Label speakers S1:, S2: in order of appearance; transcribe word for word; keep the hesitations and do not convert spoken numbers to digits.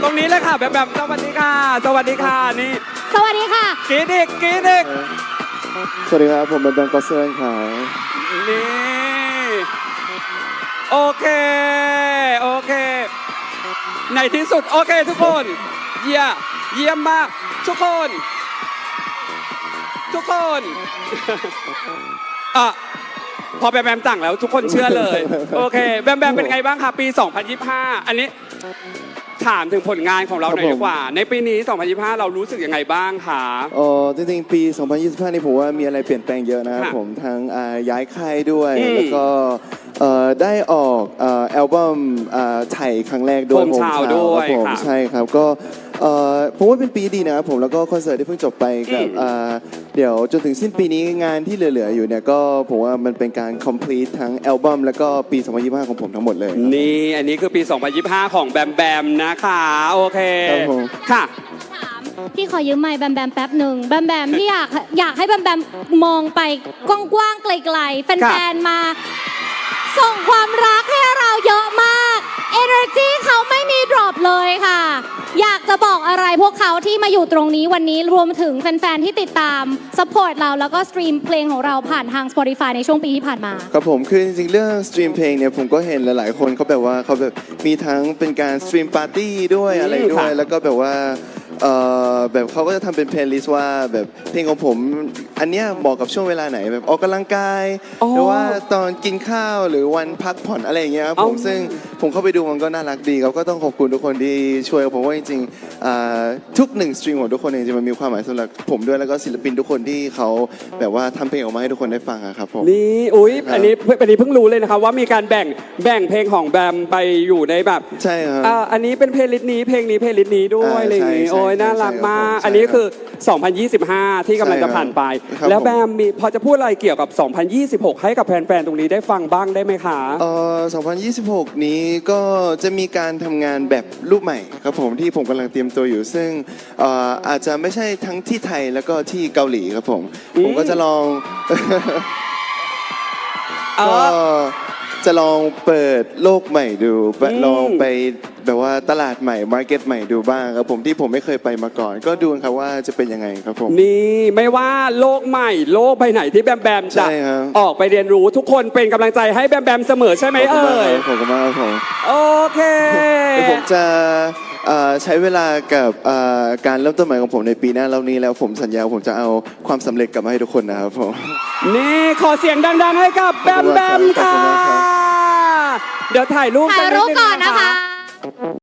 S1: ตรงนี้เลยค่ะแบบแบบสวัสดีค่ะสวัสดีค่ะนี่
S2: สวัสดีค่ะ
S1: กรีดอีกกรีดอีก
S3: สวัสดีครับผมเป็นแบงก์ก็เซิร์นครับ
S1: นี่โอเคโอเคในที่สุดโอเคทุกคนเยี่ยมเยี่ยมมากทุกคนทุกคนอ่ะพอแบมแบมสั่งแล้วทุกคนเชื่อเลยโอเคแบมแบมเป็นไงบ้างคะปีสองพันยี่สิบห้าอันนี้ถามถึงผลงานของเราหน่อยดีกว่าในปีนี้สองพันยี่สิบห้าเรารู้สึกยังไงบ้างคะ
S3: อ๋อจริงๆปีสองพันยี่สิบห้านี่ผมว่ามีอะไรเปลี่ยนแปลงเยอะนะครับผมทั้งย้ายค่ายด้วยแล้วก็ได้ออกอัลบั้มไทยครั้งแรกด้วย
S1: ผมชาวด้วย
S3: ผมใช่ครับก็ผมว่าเป็นปีดีนะครับผมแล้วก็คอนเสิร์ตที่เพิ่งจบไปกับเดี๋ยวจนถึงสิ้นปีนี้งานที่เหลือๆอยู่เนี่ยก็ผมว่ามันเป็นการ complete ทั้งอัลบั้มแล้วก็ปีสองพันยี่สิบห้าของผมทั้งหมดเลย
S1: นี่อันนี้คือปีสองพันยี่สิบห้าของแบมแบมนะคะโอเคค่ะ
S2: พี่ขอยืมไมค์แบมแบมแป๊บหนึ่งแบมแบมพี่อยากอยากให้แบมแบมมองไปกว้างๆไกลๆแฟนๆมาส่งความรักให้เราเยอะมาก Energy เขาไม่มีดรอปเลยค่ะอยากจะบอกอะไรพวกเขาที่มาอยู่ตรงนี้วันนี้รวมถึงแฟนๆที่ติดตามซัพพอร์ตเราแล้วก็สตรีมเพลงของเราผ่านทาง Spotify ในช่วงปีที่ผ่านมา
S3: ครับผมคือจริงๆเรื่องสตรีมเพลงเนี่ยผมก็เห็นหลายๆคนเขาแบบว่าเขาแบบมีทั้งเป็นการสตรีมปาร์ตี้ด้วยอะไรด้วยแล้วก็แบบว่าแบบเขาก็จะทำเป็นเพลย์ลิสต์ว่าแบบเพลงของผมอันเนี้ยเหมาะกับช่วงเวลาไหนแบบออกกำลังกายหรือว่าตอนกินข้าวหรือวันพักผ่อนอะไรอย่างเงี้ยครับผมซึ่งผมเข้าไปดูมันก็น่ารักดีครับก็ต้องขอบคุณทุกคนที่ช่วยผมว่าจริงๆทุกหนึ่งสตรีมของทุกคนจริงๆมันมีความหมายสำหรับผมด้วยแล้วก็ศิลปินทุกคนที่เขาแบบว่าทำเพลงออกมาให้ทุกคนได้ฟังครับผม
S1: นี่อุ้ยอันนี้อันนี้เพิ่งรู้เลยนะครับว่ามีการแบ่งแบ่งเพลงของแบมไปอยู่ในแบบ
S3: ใช่ครับ
S1: อันนี้เป็นเพลย์ลิสต์นี้เพลงนี้เพลย์ลิสต์นี้ด้วยอะไรอย่างงี้โอ้ยน่ารักมากอันนี้คือสองพันยี่สิบห้าที่กำลังจะผ่านไปแล้วแบมมีพอจะพูดอะไรเกี่ยวกับสองพันยี่สิบหกให้กับแฟนๆตรงนี้ได้ฟังบ้างได้ไหมคะ
S3: เอ่อสองพันยี่สิบหกนี้ก็จะมีการทำงานแบบรูปใหม่ครับผมที่ผมกำลังเตรียมตัวอยู่ซึ่งอาจจะไม่ใช่ทั้งที่ไทยแล้วก็ที่เกาหลีครับผมผมก็จะลองก็จะลองเปิดโลกใหม่ดูลองไปแบบว่าตลาดใหม่มาร์เก็ตใหม่ดูบ้างครับผมที่ผมไม่เคยไปมาก่อนก็ดูครับว่าจะเป็นยังไงครับผม
S1: นี่ไม่ว่าโลกใหม่โลกใบไหนที่แบมแบมจะออกไปเรียนรู้ทุกคนเป็นกำลังใจให้แบมแบมเสมอใช่ไหมเอ่ย
S3: ขอบคุณมากครับผม
S1: โอเค
S3: ผมจะใช้เวลากับการเริ่มต้นใหม่ของผมในปีหน้าแล้วนี้แล้วผมสัญญาผมจะเอาความสำเร็จกลับมาให้ทุกคนนะครับผม
S1: นี่ขอเสียงดังๆให้กับแบมแบมค่ะเดี๋ยวถ่ายรูป
S2: ถ่ายรูปก่อนนะคะ